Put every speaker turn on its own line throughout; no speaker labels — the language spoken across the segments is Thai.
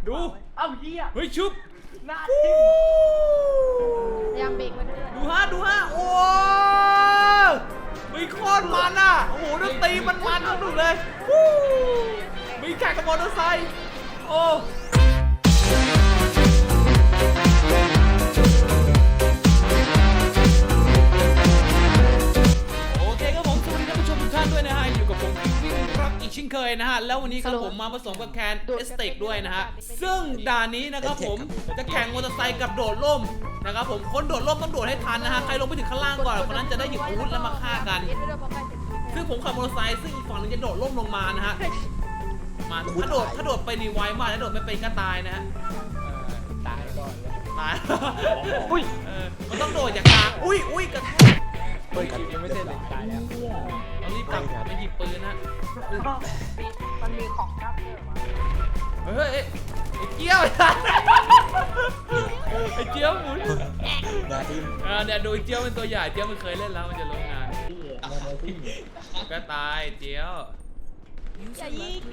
ดู
เอ้าเหี้ย
เฮ้ยชุบ
หน้าทิ่ม
พยายามเบรกไว้ด้วย
ดูฮะโอ้มีโคตรมันอ่ะโอ้โหดนตรีมันสนุกเลยวู้มีแข่งกับมอเตอร์ไซค์โอ้โอเคครับผมสวัสดีท่านผู้ชมทุกท่านด้วยนะฮะอยู่กับผมวิ่งรับอีกเช่นเคยนะฮะแล้ววันนี้ครับผมมาผสมกับแคนเอสเต็กด้วยนะฮะซึ่งด่านนี้นะครับผมจะแข่งมอเตอร์ไซค์กับโดดร่มนะครับผมคนโดดร่มต้องโดดให้ทันนะฮะใครลงไปถึงข้างล่างก่อนคนนั้นจะได้หยิบอาวุธแล้วมาฆ่ากันซึ่งผมขับมอเตอร์ไซค์ซึ่งอีกฝั่งนึงจะโดดร่มลงมานะฮะมาถ้าโดดไปนี่ไวมากถ้าโดดไม่ไปก็ตายนะฮะ
ตายก่อน
ตาย
อุ้ย
มันต้องโดดจากกลางอุ้ยกระแทก
เปิดคลิปยังไม่เสร็จเลยตายแล้ว
เรารีบกลับไปหยิบปืนนะ
มันมีของครับเยอะมา
เฮ้ยไอ้เกี้ยวไอ้เจี๊ยวหมุนเนี่ยดูไอ้เจี๊ยวเป็นตัวใหญ่เจี๊ยวมันเคยเล่นแล้วมันจะรู้งานก็ตายเจี๊ยว
อย่ายิง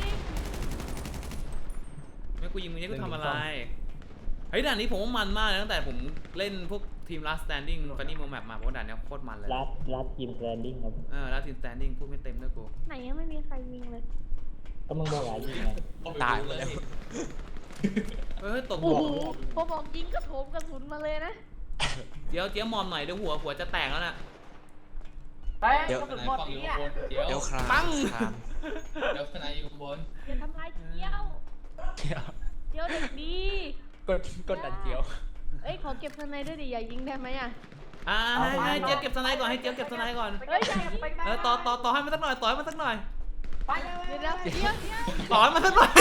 ไม่กูยิงมึงเนี่ยกูทำอะไรเฮ้ยด่านนี้ผมว่ามันมากตั้งแต่ผมเล่นพวกทีม Last Standing Funny Mo Map มาเพราะด่านนี้โคตรมันเลย
ลัดทีมแลนดิ้งครับ
Last Team Standing พูดไม่เต็มด้วยกู
ไหนยังไม่มีใครยิงเลย
ก็มึงบอกว่ายิงไง
ตายแล้ว
ตก
โอ้โหพอบอกยิงก็โถมกระสุนมาเลยนะ
เจี๊ยวมอมหน่อยเดี๋ยวหัวจะแตกแล้วน่ะ
เดี๋ยวหมดเนี่ย
เดี๋ยวคราม
ปัง
เดี๋ยวทนายอยู่บน
อย่าทำร้ายเจียวเด็กดี
กดดันเจียว
เอ้ยขอเก็บสไนด้วยดิอย่ายิงได้ไหมอ่ะ
ให้เจี๊ยวเก็บสไนก่อนให้เจี๊ยวเก็บสไนก่อน
เฮ้ยอย่ายิง
ต่อให้มันสักหน่อยต่อให้มันสักหน่อย
ไปเลย
เดี๋ยวเดี๋ยว
ต่อให้มันสักหน่อย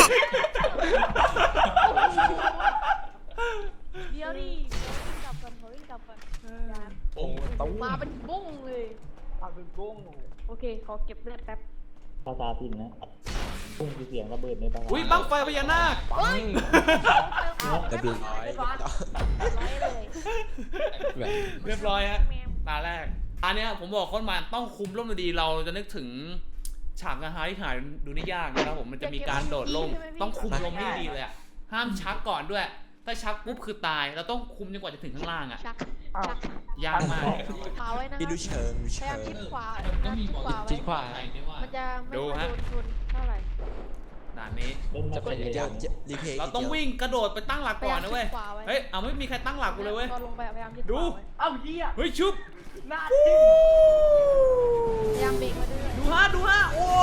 เดี๋ยวดิวิ่งกลับก่อนอย่า
โอ้ต้อง
มาเป็นบุ้งเลย
มาเป็นบุ้ง
โอเคขอเก็บเลือดแป๊บ
ภาษาถิ่นนะพุ่งคือเสียงระเบิดในภาษา
อุ้ยบังไฟพญานาค
เฮ้ย
ระเบียบร้อย
เลย
เรียบร้อยฮะตาแรกอันเนี้ยผมบอกคนมาต้องคุมร่มดีเราจะนึกถึงฉากนะฮะที่หายดูนี่ยากนะครับผมมันจะมีการโดดร่มต้องคุมลมให้ดีเลยอ่ะห้ามชักก่อนด้วยถ้าชักปุ๊บคือตายเราต้องคุมจนกว่าจะถึงข้างล่างอ่ะ
ชัก
ยากมาก
ขวาไว้นะ
พี่ดูเชิง
พยายามชิดขวา
ก็มีหมอ
ชิดขวา
ไหน
ไว้
ด้วยว่า
มันจะไม่โดนชนเท่าไหร่
ด่านนี้
เล่นมาเป็น
เดี๋ยวรีเพย์
เราต้องวิ่งกระโดดไปตั้งหลักก่อนนะเว้ยเฮ้ยเอาไม่มีใครตั้งหลักกูเลยเว้ย
ตอนลงไปพยายามชิดข
ดู
วาไว้
เอ้าเหี้ย
เฮ้ยชุบ
หน้าทิ่ม
พยายามเบรกไว้ด้วย
ดูฮะโอ้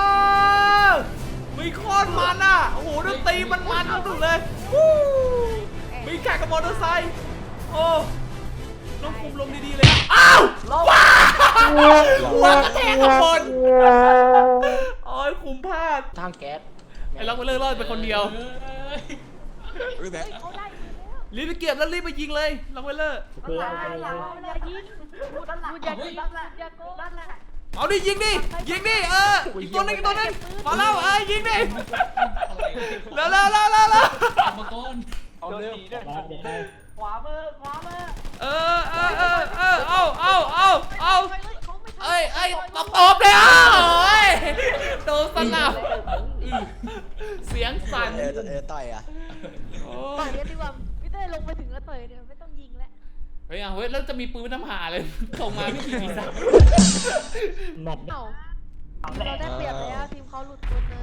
มีโคตรมันอ่ะโอ้โหดนตรีมันสนุกเลยวู้มีแข่งกับมอเตอร์ไซค์โอ้ต้องคุมลมดีๆเลยอ้าวว้าวกระแทกกับบนโอ้ยคุมพลาด
ทางแก๊ส
ไอ้ล็อกไปเลิกรอดไปคนเดียว
รู้ไหม
เขาได้อยู่แล้ว
รีบไปเก็บแล้วรีบไปยิงเลยล็อกไปเลิก
เพื่อเอาไป
อย่ายิง
พูดด้านหลัง
อย่ายิงอย่าโกง
ด้านหลัง
เอาดิยิงดิอีกตัวนึงมาแล้วยิงดิแล้ว
มาก่อน
เอาเร็ว
ลัดเด็กได้
ขวามือ
เอาเอ้ยตบเลยโดนสนับเสียงสั่น
ต่อยอ่ะ
ต่อยดีกว่าพี่เต้ลงไปถึงแล้วต่อยเดี๋ยวไม่ต้องยิงแล้ว
เฮ้ยแล้วจะมีปืนน้ำหาเลยส่งมาไม่กี่สัก
หมัด
เอ้าเราได้เปรียบแล้วทีมเขาหลุดคนนึง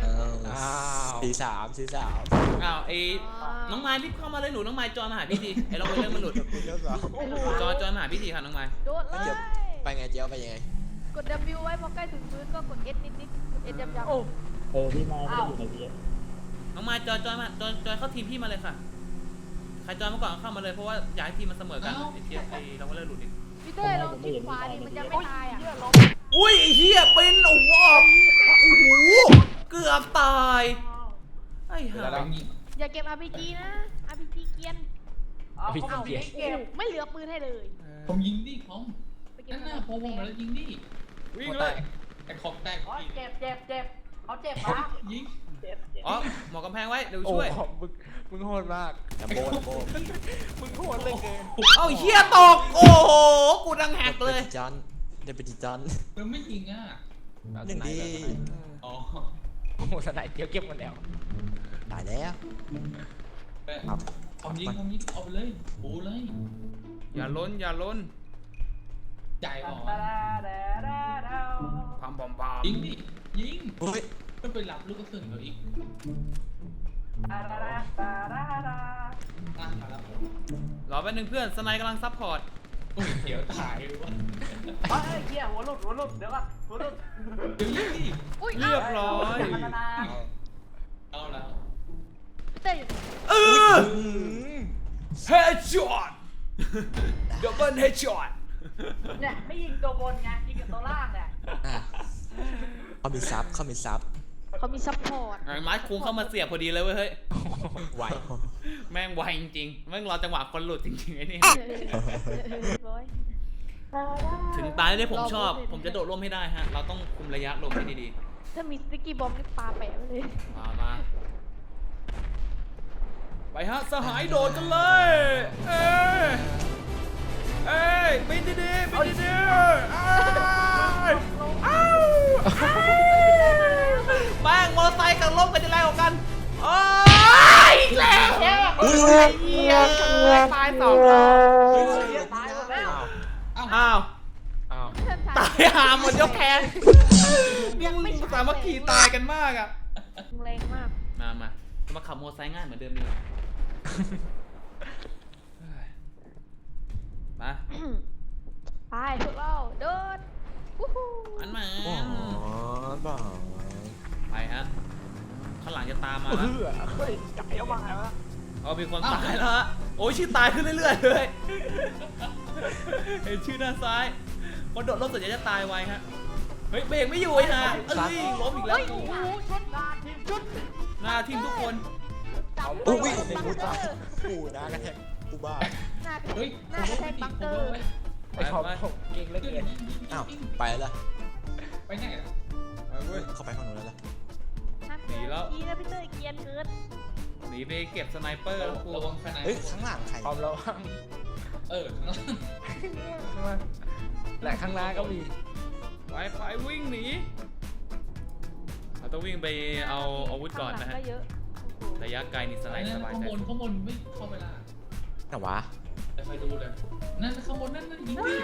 43
อ้าวน้องไม้รีบเข้ามาเลยหนูน้องไม้จอยมาหาพี่ทีไอ้เราไปเรื่องมันหลุดจอยมาหาพี่ทีค่ะน้องไม้
โดดเลย
ไปไงเจียวไปยังไง
กด W ไว้พอใกล้ถึงพื้นก็กด S นิดกด S ย้ำ
โอ้
พี่มาไม่ได้อยู่ในพี่
น้องไม้จอยมาจอยเข้าทีมพี่มาเลยค่ะใครจอยมาก่อนเข้ามาเลยเพราะว่าย้ายทีมมันเสมอกันไอ้เทียเราก็เลยหลุดอีก
พี่เต้ลองชิดขวาดิมันจะไม่ตายอ่ะ
อุ้ยไอ้เหี้ยเป็นโอ้โหเกือบตายไอ้ห่า
อย่าเก็บ RPG นะ RPG เกียน
เอาเขาไม่เก็บ
ไม่เหลือปืนให้เลย
ผมยิงดิผม
ไปเก็บ
นั่นน่ะพอวงมาแล้วยิงดิ
วิ่งเลย
ไอ้ขอบแตก
เจ็บเขาเจ็บนะ
ยิง
เจ็บ
อ๋อหมอกำแพงไว้เดี๋ยวช่วย
มึงโหดมาก
โบ
มึงโหดเลยเกิน
เอ้าเหี้ยตกโอ้โหกูดังแหกเลย
จันเดบิจิจัน
มันไม่ยิงอ่ะ
หนึ่งดี
อ๋อ
โอ้โหสไนเดียวเก็บหมดแล้ว
ตายแล้ว
เอายิงเอาไปเลยโอ้เลย
อย่าล้น
จ่ายก่อน
ความบอมบา
ยิงดิยิง
เฮ้ย
มันไปหลับลูกกระสุนเขาอีกมาแล้ว
รอแป๊บนึงเพื่อนสไนกำลังซัพพอร์ต
โอ้ยเดี๋ยวตายวะ
เฮ้ยเหี้ยหัวหลุดเดี๋ยวก่อนหัวหลุด
เดี๋ยวยิงดิ
อุ้ย
เรียบร้อย
เอาแล้ว
พี่เต้อยู่
เฮดช็อตดับเบิลเฮดช็อต
เนี่ยไม่ยิงตัวบนไงยิงกับตัวล่างเนี่ย
อ่ะเขามีซับ
เขามีซัพพอร์ต
ไอ้มาร์คคุงเข้ามาเสียบพอดีเลยเว้ยเฮ้ย
ไหว
แม่งไวจริงๆแม่งรอจังหวะคนหลุดจริงๆไอ้นี่
ร้อย
ถึงตายได้ผมชอบ ผมจะโดดร่มให้ได้ฮะ เราต้องคุมระยะลมให้ดี
ถ้ามีสติ๊กกี้บอมนี่ปาแปะไปเลย
ๆ มาไปฮะสหายโดดกันเลยเอ้ยบินดีๆบินดีๆอ้าวแม่งมอเตอร์ไซค์กับร่มกันจะแรงกว่ากันโอ้ยแรงแย่เหี้ยตายสองรอบ
ตายหมดแล้ว
อ้าว
เพื่อน
ตายหาหมดยกแขนยังไม่สามัคคีตายกันมากอ่ะ
แรงมาก
มาขับมอเตอร์ไซค์ง่ายเหมือนเดิมดีกว่ามา
ไปพวกเราโดนวู้ฮู้
อันมา
อ๋อบ้า
ไปฮะข้างหลังจะตามมาแล้ว
เฮ้ยไก่เอามาแล้ว
เอามีคนตายแล้วฮะโอ้ยชื่อตายขึ้นเรื่อยๆเลยเห็นชื่อด้านซ้ายคนโดดร่มส่วนใหญ่จะตายไวฮะเฮ้ยเบรกไม่อยู่ไอ้ห่าเอ้ยล้มอีกแล้ว
โอ้โหชนหน้าทีมชุด
หน้าทีมทุกคน
อุ้ยกูตายกูนะกระแทกกูบ้า
หน้า
เฮ้ย
หน้ากระแทกบังเกอร์
ไปไป
เก่งเหลือเกิน
อ้าวไปแล้ว
ไปไหนล่ะ
เข้าไปข้างนู้นแล้วล่ะ
กีนะพี่เต้ยเกียนเกิน
หนีไปเก็บสไนเปอร์แล้วครู
ระวังภายใน
เฮ้ยข้างหลังใคร
ความระวัง
ข้างล่าง
และข้างหน้าก็มี
ไปวิ่งหนีเราต้องวิ่งไปเอาอาวุธก่อนนะฮะ
ก็เยอะ
ระยะไกลนี่สไน
นั่น
สบาย
ข้าง
ใจ
บนไม่เข้าไปล่ะ
แต่วะ
ไปดูเลยนั่นข้างบนนั่นยิงดิ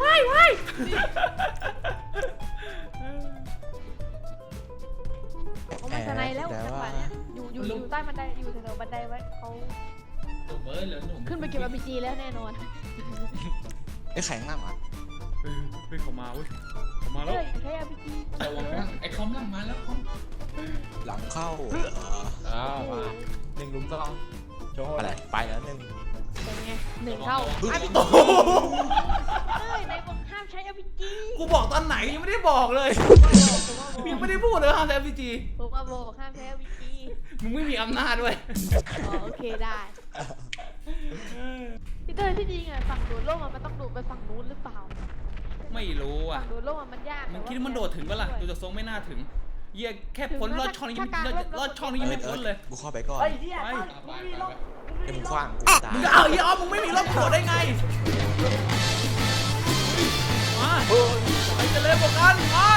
เขามาสไนแล้วจังหวะเนี้ยอยู่ใต้บันไดอยู่แถวบันไดไว้เขา
หนุ่มเหลือหนุ่ม
ขึ้นไปเก็บRPGแล้วแน่นอน
ไอ้แข็งหน้ามา
เฮ้ยเขามาเว้ยเขามาแล้ว
เต้ยใช้ RPG
ระวังนะไอ้คอมล่างมาแล้วคอม
หลังเข้า
มา1-2โชว์
อะไรไปแล้วหนึ่ง
เป็นไง1 เท่า
โอ้โห
เต้ยในบอกห้ามใช้ RPG
กูบอกตอนไหนยังไม่ได้บอกเลยยังไม่ได้พูดเลยห้ามใช้ RPG
ผมว่าบอกห้ามใช้ RPG
มึงไม่มีอำนาจด้วย
อ๋อโอเคได้พี่เต้ยที่จริงอ่ะฝั่งโดดร่มมันต้องโดดไปฝั่งนู้นหรือเปล่า
ไม่รู้อ่ะ
ฝั่งโดดร่มมันยาก
มึงคิดว่ามันโดดถึงปะล่ะดูจากทรงไม่น่าถึงเหี้ยแค่พ้นลอดช่องนี้ลอดช่องนี้ยังไม่พ้นเลย
กูเข้าไปก่อน
ไอ้เหี้ย
ไป
เดี๋ยวมึงคว้างกูตาย
มึงจะเอาอีออฟมึงไม่มีรถโดดได้ไงมาไปจะเล่นพวกกันมา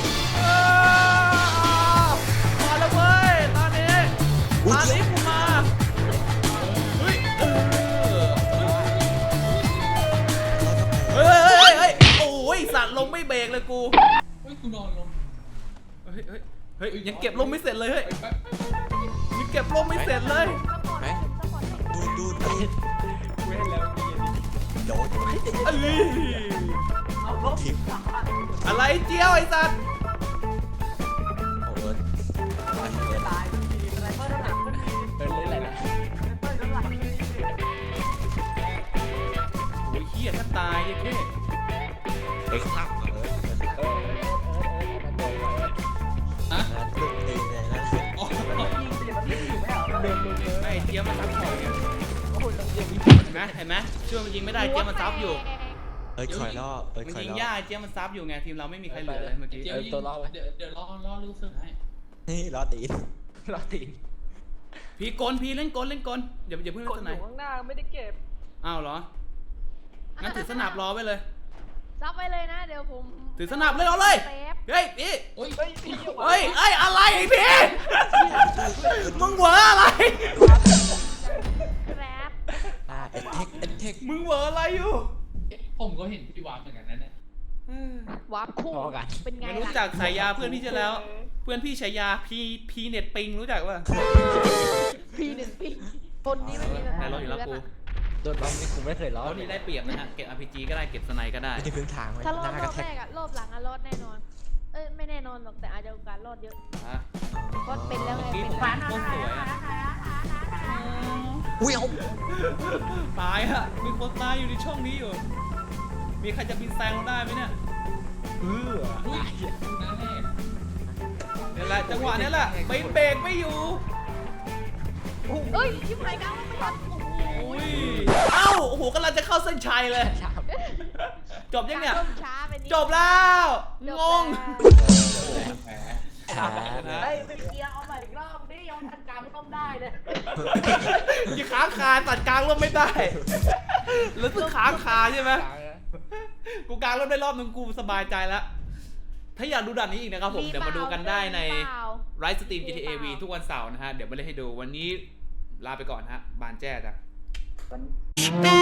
มาแล้วเว้ยตอนนี้กูมาเฮ้ยเฮ้ยโอ้ยสัตว์ลงไม่เบรกเลยกู
เฮ้ยกูนอนลง
เฮ้ยยังเก็บลมไม่เสร็จเลยเฮ้ย
ไป
ยังเก็บลมไม่เสร็จเลย
ไหมดูด
เว้นแล้วมี
โดด
เอ้ย
เอาลบ
ทิป
อะไรเจียวไอ้สัตว์
โอ้ย
ตายมีอะไรเพิ่มน้ำหนักขึ้นมีอะไรนะเพิ่มน้ำหนัก
โอ้ยเหี้ยถ้าตายเนี่ยแค่
เฮ้ยข้างหลังมาเลย
ฮะ
นะลูกเองเลยนะ
อ๋อ
ไอ้เจียวมันซับของเนี่ยเห็นไหมช่วยมันยิงไม่ได้เจียวมันซับอยู่
เอ้ยคอยล่อเอ้ย
มัน
คอย
ยิง
ล่อ
ยากเจียวมันซับอยู่ไงทีมเราไม่มีใครเหลือเลยเมื่อกี้
เดี๋ยวรอลูกเสือให้
นี่ล้อตีน
รอตีน
พี่เล่นกลอย่าเพิ่ง
ก
เล่
ด
นส
อ
ไน
ยู่ข้างหน้าไม่ได้เก็บ
อ้าวเหรองั้นถือสนับรอไว้เลย
ซับไปเลยนะเดี๋ยวผม
ถือสนับเลยเอาเลย
แป๊บ
เฮ้ยพี่
โอ้ย
เฮ้ยอะไรไอ้พี่มึงเหวออะไร
แกร็บ
เอ็นเทค
มึงเหวออะไรอยู่
ผมก็เห็นพี่วาเหมือนกันนั่นแหละ
วาร์ปคู่เป็นไง
ไม่
ล่ะ
รู้จักฉายาเพื่อนพี่ใช่แล้ว เพื่อนพี่ฉายาพีเน็ตปิงรู้จักป่ะ
ปีหนึ่งปีคนนี้ไม่มีปัญ
ไหน
หาร
ถอยู่แล้วกู
โดนล้อมนี่กูไม่เคยล้อ
รถนี้ได้เปรียบนะฮะเก็บ RPG ก็ได้เก็บสไนก็ได้
ไม่ได้พื้นทางเลย
ถ้ารอ
ห
ด
น้าร ก
อ
ระ
บ
แท
แร
ก
กอะรอบหลังอะรอดแน่นอนไม่แน่นอนหรอกแต่อาจจะโอกาสรอดเยอะ
อ่ะ
เพราะเป็นแล้วไง
เมื่อกี้
เป็
ผ
น
ม
แล้ว
โคตรสวยอะ
อุ้ยเอา
ตายฮะมีคนตายอยู่ในช่องนี้อยู่ มีใครจะบินแซงเราได้ไหมเนี่ยเออ
อุ้ยน้าแรก
เนี่ยแหละจังหวะนี้แหละไปเบรกไม่อยู่
เอ้ยชิบหายกลางไม่ทันโอ้โห
อุ้ยเอ้าโอ้โหกำลังจะเข้าเส้นชัยเลย จบยังเนี่ย
ร่มช้าไปนิด
จบแล้วงง
แหม
ขา
เฮ้ยไปเกียร์เอาใหม่อีกรอบนี่ยังทันกลางไม่ต้องได้เลย
ยี่ค้างคาตัดกลางร่มไม่ได้แล้วต้องค้างคาใช่ไหมกูกลางร่มได้รอบนึงกูสบายใจแล้วถ้าอยากดูด่านนี้อีกนะครับผมเดี๋ยวมาดูกันได้ใน Rise Stream GTA V ทุกวันเสาร์นะฮะเดี๋ยวมาเล่นให้ดูวันนี้ลาไปก่อนฮะบานแจ้จ้ะ
วัน